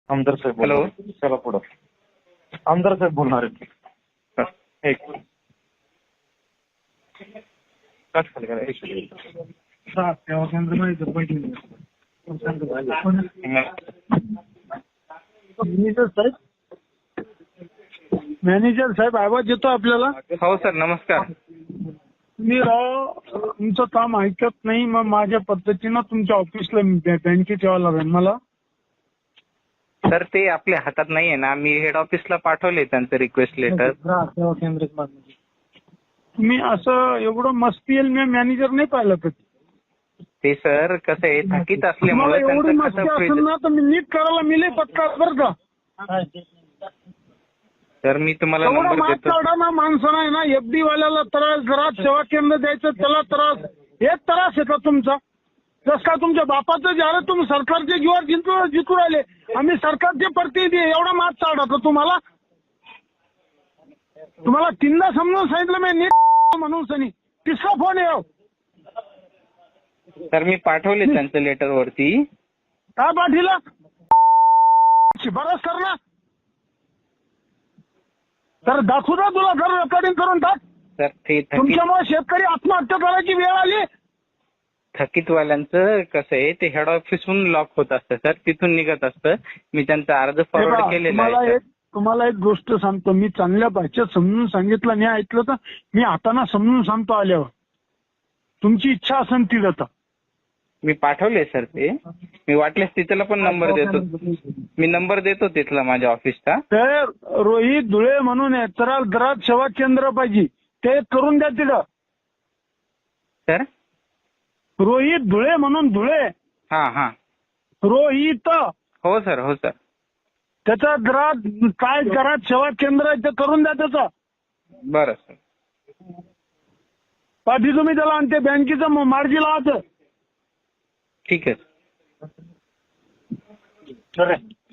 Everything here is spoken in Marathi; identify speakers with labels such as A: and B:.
A: आमदार साहेब
B: हॅलो.
A: बोलणार. चला पुढं. आमदार साहेब बोलणार आहेत.
B: एक कट खाली करा. एक
C: सेवा केंद्र मॅनेजर मॅनेजर साहेब आवाज येतो आपल्याला?
B: हो सर, नमस्कार.
C: मी राव तुमचं काम ऐकत नाही, मग माझ्या पद्धतीनं तुमच्या ऑफिसला बँकेत यावं लागेल मला.
B: सर ते आपल्या हातात नाहीये ना, मी हेड ऑफिसला पाठवले त्यांचं रिक्वेस्ट लेटर.
C: सेवा केंद्र तुम्ही असं एवढं मस्ती येईल, मी मॅनेजर नाही पाहिलं कधी.
B: ते सर कसं आहे, थकीत
C: तुम्हाला
B: असल्यामुळे
C: एवढी
B: त्यांचं
C: मस्ती
B: खातं
C: असेल
B: फ्रीज.
C: ना तर मी नीट करायला मिले पत्ता बरं का.
B: सर मी तुम्हाला
C: एवढा
B: नंबर
C: मात
B: देतो.
C: काढा ना माणसं आहे ना, एफडी वाल्याला त्रास, जरा सेवा केंद्र द्यायचं त्याला त्रास. हेच त्रास आहे का तुमचा? जस का तुमच्या बापाचं ज्याला तुम्ही सरकारचे जीवावर जिंकू राहिले, आम्ही सरकारचे प्रतिनिधी, एवढा मात काढा तर तुम्हाला तीनदा समजून सांगितलं मी नीट म्हणून सनी तिसरा फोन येऊ.
B: सर मी पाठवले त्यांचं लेटर वरती.
C: काय पाठीला शिफारस कर ना, तर दाखवू ना तुला, घर रेकॉर्डिंग करून टाक.
B: सर ते
C: तुमच्यामुळे शेतकरी आत्महत्या करायची वेळ आली.
B: थकीतवाल्यांचं कसं आहे, ते हेड ऑफिसहून लॉक होत असतं सर, तिथून निघत असतं. मी त्यांचा अर्ज फॉरवर्ड केलेला आहे.
C: तुम्हाला एक गोष्ट सांगतो, मी चांगल्या भाषेत समजून सांगितलं, नाही ऐकलं तर मी हाताना समजून सांगतो आल्यावर. तुमची इच्छा असेल ती जाता.
B: मी पाठवले सर ते. मी वाटल्यास तिथला पण नंबर देतो. मी नंबर देतो तिथला माझ्या ऑफिसचा.
C: तर रोहित धुळे म्हणून आहे, तर घरात सेवा केंद्र पाहिजे, ते करून द्या तिथं.
B: सर
C: रोहित धुळे म्हणून, धुळे
B: हा
C: रोहित,
B: हो सर, हो सर.
C: त्याचा घरात काय घरात सेवा केंद्र आहे ते करून द्या त्याचं.
B: बरं सर.
C: पाठी तुम्ही त्याला, आणि ते बँकेचं मार्गी लावायचं.
B: ठीक आहे.
A: ठीक आहे.